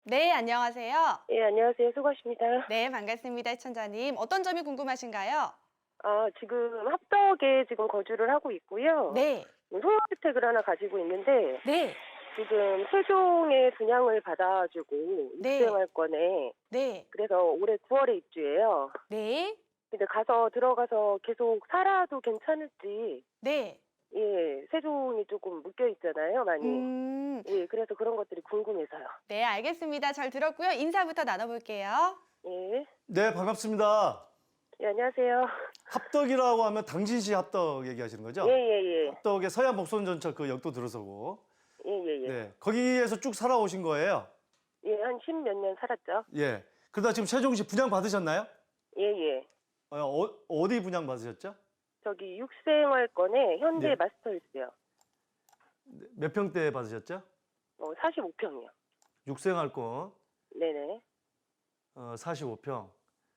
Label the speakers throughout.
Speaker 1: 네, 안녕하세요.
Speaker 2: 예, 안녕하세요. 수고하십니다.
Speaker 1: 네, 반갑습니다, 시청자님. 어떤 점이 궁금하신가요?
Speaker 2: 지금 합덕에 지금 거주를 하고 있고요.
Speaker 1: 네,
Speaker 2: 소형주택을 하나 가지고 있는데,
Speaker 1: 네,
Speaker 2: 지금 세종에 분양을 받아가지고
Speaker 1: 네,
Speaker 2: 육생활권에,
Speaker 1: 네,
Speaker 2: 그래서 올해 9월에 입주해요.
Speaker 1: 네,
Speaker 2: 근데 들어가서 계속 살아도 괜찮을지,
Speaker 1: 네.
Speaker 2: 예, 세종이 조금 묶여 있잖아요, 많이.
Speaker 1: 음,
Speaker 2: 예, 그래서 그런 것들이 궁금해서요.
Speaker 1: 네, 알겠습니다. 잘 들었고요. 인사부터 나눠볼게요.
Speaker 2: 예,
Speaker 3: 네, 반갑습니다.
Speaker 2: 예, 안녕하세요.
Speaker 3: 합덕이라고 하면 당진시 합덕 얘기하시는 거죠?
Speaker 2: 예, 예, 예.
Speaker 3: 합덕의 서해안 복선전철 그 역도 들어서고.
Speaker 2: 예, 예, 예.
Speaker 3: 네, 거기에서 쭉 살아오신 거예요?
Speaker 2: 예, 한 10몇 년 살았죠.
Speaker 3: 예. 그러다 지금 세종시 분양 받으셨나요?
Speaker 2: 예, 예.
Speaker 3: 어디 분양 받으셨죠?
Speaker 2: 저기 육생활권에 현대
Speaker 3: 네.
Speaker 2: 마스터힐스요.
Speaker 3: 몇 평대 받으셨죠?
Speaker 2: 45평이요.
Speaker 3: 육생활권
Speaker 2: 네네.
Speaker 3: 45평.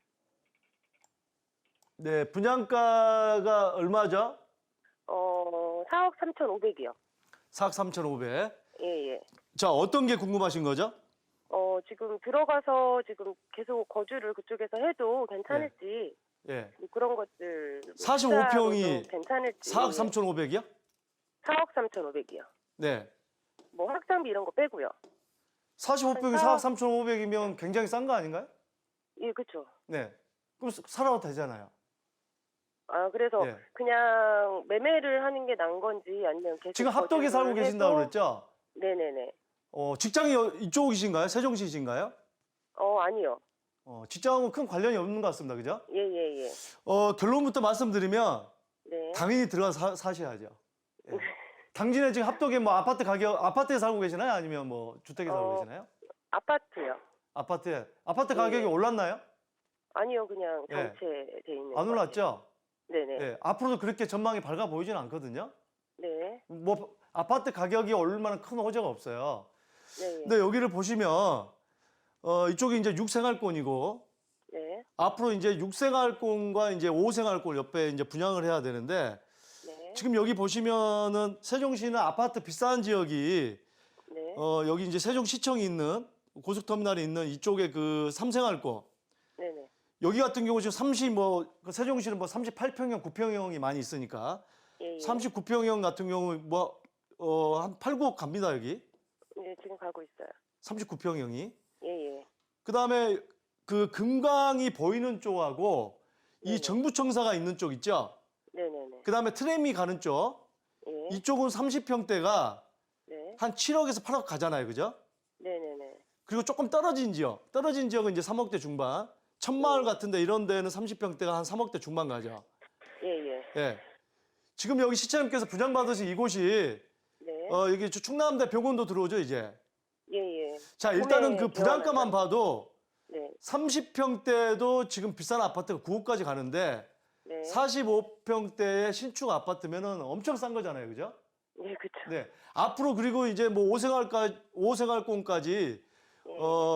Speaker 3: 네, 분양가가 얼마죠?
Speaker 2: 4억 3,500이요.
Speaker 3: 4억 3,500.
Speaker 2: 예, 예.
Speaker 3: 자, 어떤 게 궁금하신 거죠?
Speaker 2: 지금 들어가서 지금 계속 거주를 그쪽에서 해도 괜찮을지,
Speaker 3: 예.
Speaker 2: 뭐 그런 것들.
Speaker 3: 45평이
Speaker 2: 투자로도 괜찮을지.
Speaker 3: 4억 3,500이요?
Speaker 2: 4억 3,500이요.
Speaker 3: 네.
Speaker 2: 뭐 학장비 이런 거 빼고요.
Speaker 3: 45평이 4억 3,500이면 굉장히 싼 거 아닌가요?
Speaker 2: 예, 그쵸.
Speaker 3: 네. 그럼 살아도 되잖아요.
Speaker 2: 그래서
Speaker 3: 예.
Speaker 2: 그냥 매매를 하는 게 나은 건지 아니면 계속
Speaker 3: 지금 합덕에 살고
Speaker 2: 거주를
Speaker 3: 계신다고
Speaker 2: 해도-
Speaker 3: 그랬죠?
Speaker 2: 네네네.
Speaker 3: 직장이 이쪽이신가요? 세종시이신가요?
Speaker 2: 아니요.
Speaker 3: 직장하고 큰 관련이 없는 것 같습니다. 그죠?
Speaker 2: 예, 예, 예.
Speaker 3: 결론부터 말씀드리면
Speaker 2: 네.
Speaker 3: 당연히 들어가서 사셔야죠. 예. 당진에 지금 합덕에 뭐 아파트에 살고 계시나요? 아니면 뭐 주택에 살고
Speaker 2: 어,
Speaker 3: 계시나요?
Speaker 2: 아파트요.
Speaker 3: 아파트
Speaker 2: 네.
Speaker 3: 가격이 올랐나요?
Speaker 2: 아니요, 그냥
Speaker 3: 예.
Speaker 2: 정체돼 있는
Speaker 3: 안
Speaker 2: 것
Speaker 3: 올랐죠?
Speaker 2: 같아요. 네네.
Speaker 3: 예. 앞으로도 그렇게 전망이 밝아 보이지는 않거든요.
Speaker 2: 네.
Speaker 3: 뭐 아파트 가격이 오를 만한 큰 호재가 없어요.
Speaker 2: 네.
Speaker 3: 근데 여기를 보시면 이쪽이 이제 6생활권이고
Speaker 2: 네.
Speaker 3: 앞으로 이제 6생활권과 이제 5생활권 옆에 이제 분양을 해야 되는데
Speaker 2: 네.
Speaker 3: 지금 여기 보시면은 세종시는 아파트 비싼 지역이
Speaker 2: 네.
Speaker 3: 여기 이제 세종시청이 있는 고속터미널이 있는 이쪽에 그 3생활권
Speaker 2: 네네.
Speaker 3: 여기 같은 경우 지금 세종시는 뭐 38평형, 9평형이 많이 있으니까
Speaker 2: 예, 예.
Speaker 3: 39평형 같은 경우 한 8, 9억 갑니다 여기
Speaker 2: 네, 지금 가고 있어요.
Speaker 3: 39평형이
Speaker 2: 예, 예.
Speaker 3: 그다음에 그 금강이 보이는 쪽하고 이
Speaker 2: 네네.
Speaker 3: 정부청사가 있는 쪽 있죠.
Speaker 2: 네네네.
Speaker 3: 그다음에 트램이 가는 쪽
Speaker 2: 예.
Speaker 3: 이쪽은 30평대가
Speaker 2: 네.
Speaker 3: 한 7억에서 8억 가잖아요, 그죠?
Speaker 2: 네네네.
Speaker 3: 그리고 조금 떨어진 지역은 이제 3억대 중반. 천마을 같은데 이런 데는 30평대가 한 3억대 중반 가죠.
Speaker 2: 예, 예.
Speaker 3: 예. 지금 여기 시청님께서 분양받으신 이곳이
Speaker 2: 네.
Speaker 3: 여기 충남대 병원도 들어오죠, 이제.
Speaker 2: 예, 예.
Speaker 3: 자, 일단은 그
Speaker 2: 구매
Speaker 3: 분양가만
Speaker 2: 대원하죠.
Speaker 3: 봐도
Speaker 2: 네.
Speaker 3: 30평대도 지금 비싼 아파트가 9억까지 가는데
Speaker 2: 네.
Speaker 3: 45평대의 신축 아파트면은 엄청 싼 거잖아요, 그죠?
Speaker 2: 예, 그쵸.
Speaker 3: 네. 앞으로 그리고 이제 뭐 5생활권까지
Speaker 2: 예.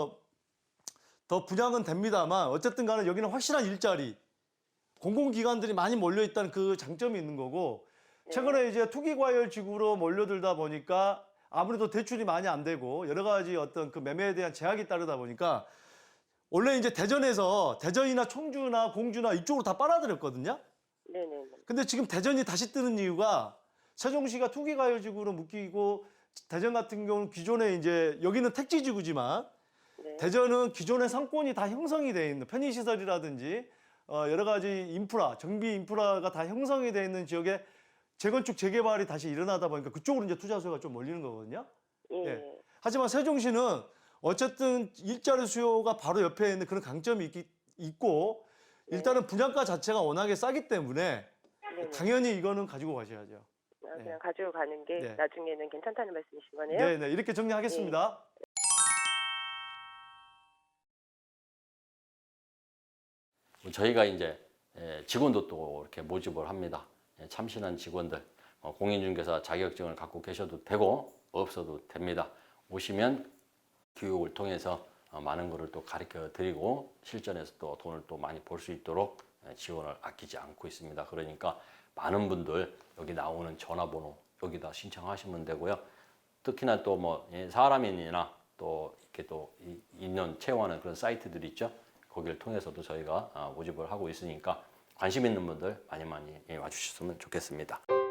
Speaker 3: 더 분양은 됩니다만 어쨌든 간에 여기는 확실한 일자리, 공공기관들이 많이 몰려 있다는 그 장점이 있는 거고 최근에 이제 투기과열 지구로 몰려들다 보니까 아무래도 대출이 많이 안 되고 여러 가지 어떤 그 매매에 대한 제약이 따르다 보니까 원래 이제 대전이나 청주나 공주나 이쪽으로 다 빨아들였거든요.
Speaker 2: 네네네.
Speaker 3: 근데 지금 대전이 다시 뜨는 이유가 세종시가 투기과열 지구로 묶이고 대전 같은 경우는 기존에 이제 여기는 택지지구지만
Speaker 2: 네.
Speaker 3: 대전은 기존의 상권이 다 형성이 돼 있는 편의시설이라든지 여러 가지 정비 인프라가 다 형성이 돼 있는 지역에 재건축 재개발이 다시 일어나다 보니까 그쪽으로 이제 투자 수요가 좀 몰리는 거거든요.
Speaker 2: 예.
Speaker 3: 예. 하지만 세종시는 어쨌든 일자리 수요가 바로 옆에 있는 그런 강점이 있고 일단은 분양가 자체가 워낙에 싸기 때문에
Speaker 2: 네네.
Speaker 3: 당연히 이거는 가지고 가셔야죠.
Speaker 2: 그냥 가지고 가는 게
Speaker 3: 네.
Speaker 2: 나중에는 괜찮다는 말씀이신 거네요?
Speaker 3: 네, 네. 이렇게 정리하겠습니다.
Speaker 4: 저희가 이제 직원도 또 이렇게 모집을 합니다. 참신한 직원들, 공인중개사 자격증을 갖고 계셔도 되고 없어도 됩니다. 오시면 교육을 통해서 많은 것을 또 가르쳐 드리고 실전에서 또 돈을 또 많이 벌 수 있도록 지원을 아끼지 않고 있습니다. 그러니까 많은 분들 여기 나오는 전화번호 여기다 신청하시면 되고요. 특히나 또 뭐 사람인이나 또 이렇게 또 인연 채용하는 그런 사이트들이 있죠. 거기를 통해서도 저희가 모집을 하고 있으니까 관심 있는 분들 많이 와주셨으면 좋겠습니다.